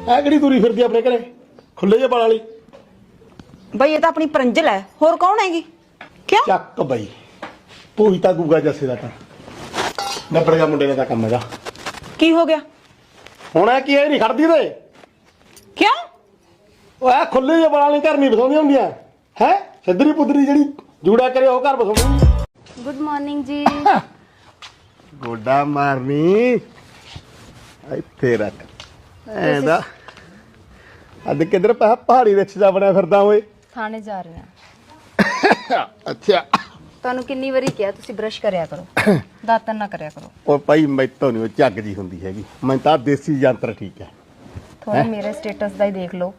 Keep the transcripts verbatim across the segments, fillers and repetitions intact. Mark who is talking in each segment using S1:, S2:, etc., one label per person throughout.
S1: ਐ ਕਿਹੜੀ ਤੁਰੀ ਫਿਰਦੀ ਆਪਣੇ ਘਰੇ ਖੁੱਲੇ ਜਿਹੇ ਵਾਲ ਵਾਲੀ?
S2: ਬਈ ਇਹ ਤਾਂ ਆਪਣੀ ਪਰੰਜਲ ਹੈ, ਹੋਰ ਕੌਣ ਹੈਗੀ? ਕਿਉਂ
S1: ਚੱਕ ਬਈ ਪੂਈ ਤਾਂ ਗੂਗਾ ਜੱਸੇ ਦਾ ਤਾਂ ਨੱਬੜ ਗਿਆ ਮੁੰਡੇ ਦਾ ਤਾਂ ਕੰਮ ਹੈਗਾ।
S2: ਕੀ ਹੋ ਗਿਆ
S1: ਹੁਣ ਇਹ ਕੀ ਇਹ ਨਹੀਂ ਖੜਦੀ ਤੇ
S2: ਕਿਉਂ?
S1: ਉਹ ਐ ਖੁੱਲੇ ਜਿਹੇ ਵਾਲ ਵਾਲੀ ਘਰ ਨਹੀਂ ਬਸਾਉਂਦੀਆਂ ਹੁੰਦੀਆਂ ਹੈ। ਸਿੱਧਰੀ ਪੁੱਧਰੀ ਜਿਹੜੀ ਜੂੜਾ ਕਰੇ ਉਹ ਘਰ ਬਸਾਉਂਦੀ।
S3: ਗੁੱਡ ਮਾਰਨਿੰਗ ਜੀ।
S1: ਗੋਡਾ ਮਾਰਨੀ ਇੱਥੇ ਰੱਖ ਐਦਾ ਅੱਜ ਕਿੱਧਰ ਪਾ ਪਹਾੜੀ ਵਿੱਚ ਜਾ ਬਣਿਆ ਫਿਰਦਾ ਓਏ।
S3: ਥਾਣੇ ਜਾ ਰਹੇ ਹਾਂ।
S1: ਅੱਛਾ
S3: ਤੁਹਾਨੂੰ ਕਿੰਨੀ ਵਾਰੀ ਕਿਹਾ ਤੁਸੀਂ ਬ੍ਰਸ਼ ਕਰਿਆ ਕਰੋ, ਦਾਤਨ ਨਾ ਕਰਿਆ ਕਰੋ।
S1: ਉਹ ਭਾਈ ਮੈਥੋਂ ਨਹੀਂ ਉਹ ਝੱਗ ਜੀ ਹੁੰਦੀ ਹੈਗੀ, ਮੈਂ ਤਾਂ ਦੇਸੀ ਯੰਤਰ ਠੀਕ ਹੈ।
S3: ਥੋੜਾ ਮੇਰੇ ਸਟੇਟਸ ਦਾ ਹੀ ਦੇਖ ਲਓ।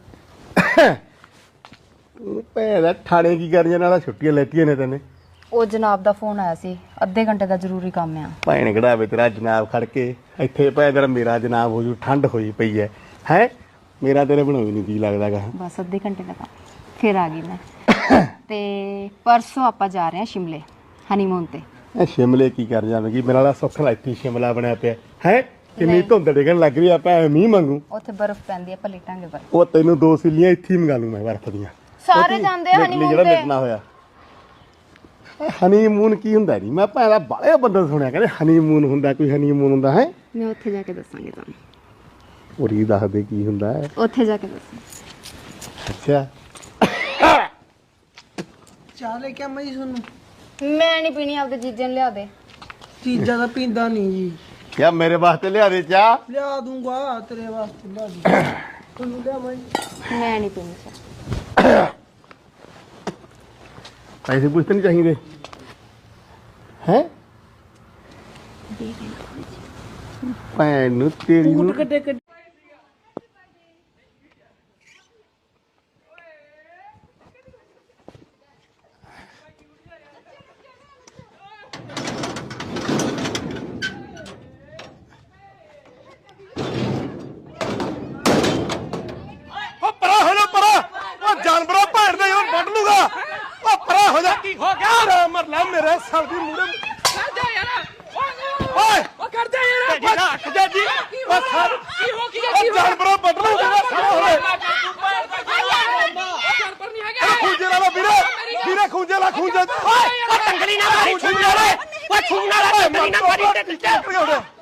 S1: ਤੂੰ ਭੈਣਾ ਥਾਣੇ ਕੀ ਕਰੀਆਂ ਨਾਲ ਛੁੱਟੀਆਂ ਲੈਤੀਆਂ ਨੇ ਤੈਨੇ?
S3: ਉਹ ਜਨਾਬ ਦਾ ਫੋਨ ਆਇਆ ਸੀ, ਅੱਧੇ ਘੰਟੇ ਦਾ ਜ਼ਰੂਰੀ ਕੰਮ ਆ।
S1: ਭੈਣ ਕਢਾਵੇ ਤੇਰਾ ਜਨਾਬ ਖੜ ਕੇ ਇੱਥੇ ਭੈਣ ਤੇਰਾ ਮੇਰਾ ਜਨਾਬ ਹੋ ਜੂ। ਠੰਡ ਹੋਈ ਪਈ ਹੈ ਹੈ ਮੇਰਾ ਤੇਰੇ ਬਣਾਉਈ ਨਹੀਂ ਕੀ ਲੱਗਦਾਗਾ।
S3: ਬਸ ਅੱਧੇ ਘੰਟੇ ਦਾ ਕੰਮ, ਫਿਰ ਆ ਗਈ ਮੈਂ। ਤੇ ਪਰਸੋਂ ਆਪਾਂ ਜਾ ਰਹੇ ਹਾਂ ਸ਼ਿਮਲੇ ਹਨੀਮੂਨ ਤੇ।
S1: ਇਹ ਸ਼ਿਮਲੇ ਕੀ ਕਰ ਜਾਵੇਂਗੀ? ਮੇਰਾ ਵਾਲਾ ਸੁੱਖ ਨਾਲ ਇੱਥੇ ਸ਼ਿਮਲਾ ਬਣਿਆ ਪਿਆ ਹੈ। ਕਿੰਨੀ ਧੁੰਦ ਡਿੱਗਣ ਲੱਗ ਰਹੀ ਆ, ਆਪਾਂ ਮੀਂਹ ਮੰਗੂ।
S3: ਉੱਥੇ ਬਰਫ਼ ਪੈਂਦੀ ਆ, ਆਪਾਂ ਲੇਟਾਂਗੇ ਬਰਫ਼।
S1: ਉਹ ਤੈਨੂੰ ਦੋ ਸਿੱਲੀਆਂ ਇੱਥੇ ਹੀ ਮੰਗਾ ਲੂ ਮੈਂ ਬਰਫ਼ ਦੀਆਂ।
S3: ਸਾਰੇ ਜਾਂਦੇ ਆ ਹਨੀਮੂਨ
S1: ਜਿਹੜਾ
S3: ਤੇ।
S1: ਮਿਟਣਾ ਹੋਇਆ ਹਨੀਮੂਨ ਕੀ ਹੁੰਦਾ ਨਹੀਂ? ਮੈਂ ਭਾਵੇਂ ਦਾ ਬਾਲੇ ਬੰਦੇ ਸੁਣਿਆ ਕਹਿੰਦੇ ਹਨੀਮੂਨ ਹੁੰਦਾ, ਕੋਈ ਹਨੀਮੂਨ ਹੁੰਦਾ ਹੈ।
S3: ਮੈਂ ਉੱਥੇ ਜਾ ਕੇ ਦੱਸਾਂਗੀ ਤੁਹਾਨੂੰ।
S1: ਉਰੀ ਦੱਸਦੇ ਕੀ ਹੁੰਦਾ ਹੈ
S3: ਉੱਥੇ ਜਾ ਕੇ ਦੱਸਾਂ।
S1: ਅੱਛਾ
S4: ਚਾਹ ਲੈ ਕੇ ਆਵਾਂ ਜੀ ਤੁਹਾਨੂੰ?
S3: ਮੈਂ ਨਹੀਂ ਪੀਣੀ, ਆਪਦੇ ਜੀਜੇ ਨੂੰ ਲਿਆ ਦੇ।
S4: ਚੀਜ਼ਾਂ ਦਾ ਪੀਂਦਾ ਨਹੀਂ ਜੀ।
S1: ਕਿਆ ਮੇਰੇ ਵਾਸਤੇ ਲਿਆ ਦੇ ਚਾਹ?
S4: ਲਿਆ ਦੂੰਗਾ ਤੇਰੇ ਵਾਸਤੇ ਲਿਆ ਦੂੰਗਾ। ਤੁਹਾਨੂੰ ਲਿਆਵਾਂ ਜੀ?
S3: ਮੈਂ ਨਹੀਂ ਪੀਣੀ ਚਾਹ।
S1: ਪੈਸੇ ਪੁੱਛਤੇ ਨਹੀਂ ਚਾਹੀਦੇ ਹੈ? ਭੈਣ ਨੂੰ ਤੇਰੀ ਨੂੰ
S4: ਕੱਢੇ ਕੱਢੇ
S1: ਜਾਨਵਰਾਂ ਭੈਣ ਦੇ ਯਾਰ ਵੱਢ ਲੂਗਾ। ਉਹ ਪਰਾ ਹੋ ਜਾ। ਕੀ ਹੋ ਗਿਆ? ਮਰਲਾ ਮੇਰੇ ਸਰ ਦੀ ਮੂਰੇ
S5: ਕਰ ਜਾ ਯਾਰ।
S1: ਓਏ
S5: ਉਹ ਕਰ ਜਾ ਯਾਰ।
S1: ਰੱਖ ਜਾ ਜੀ। ਉਹ ਸਰ
S5: ਕੀ ਹੋ ਗਿਆ?
S1: ਉਹ ਜਾਨਵਰਾਂ ਵੱਢ ਲੂਗਾ ਸਾਰਾ ਹੋਵੇ।
S5: ਜਾਨਵਰ ਨਹੀਂ ਹੈਗਾ।
S1: ਖੂੰਜੇ ਵਾਲਾ ਵੀਰੇ ਵੀਰੇ ਖੂੰਜੇ ਵਾਲਾ ਖੂੰਜੇ। ਓਏ
S5: ਟੰਗਲੀ ਨਾ ਮਾਰੀ ਛੂਣ ਵਾਲੇ। ਓਏ ਛੂਣ ਵਾਲਾ ਟੰਗਲੀ ਨਾ ਮਾਰੀ ਤੇ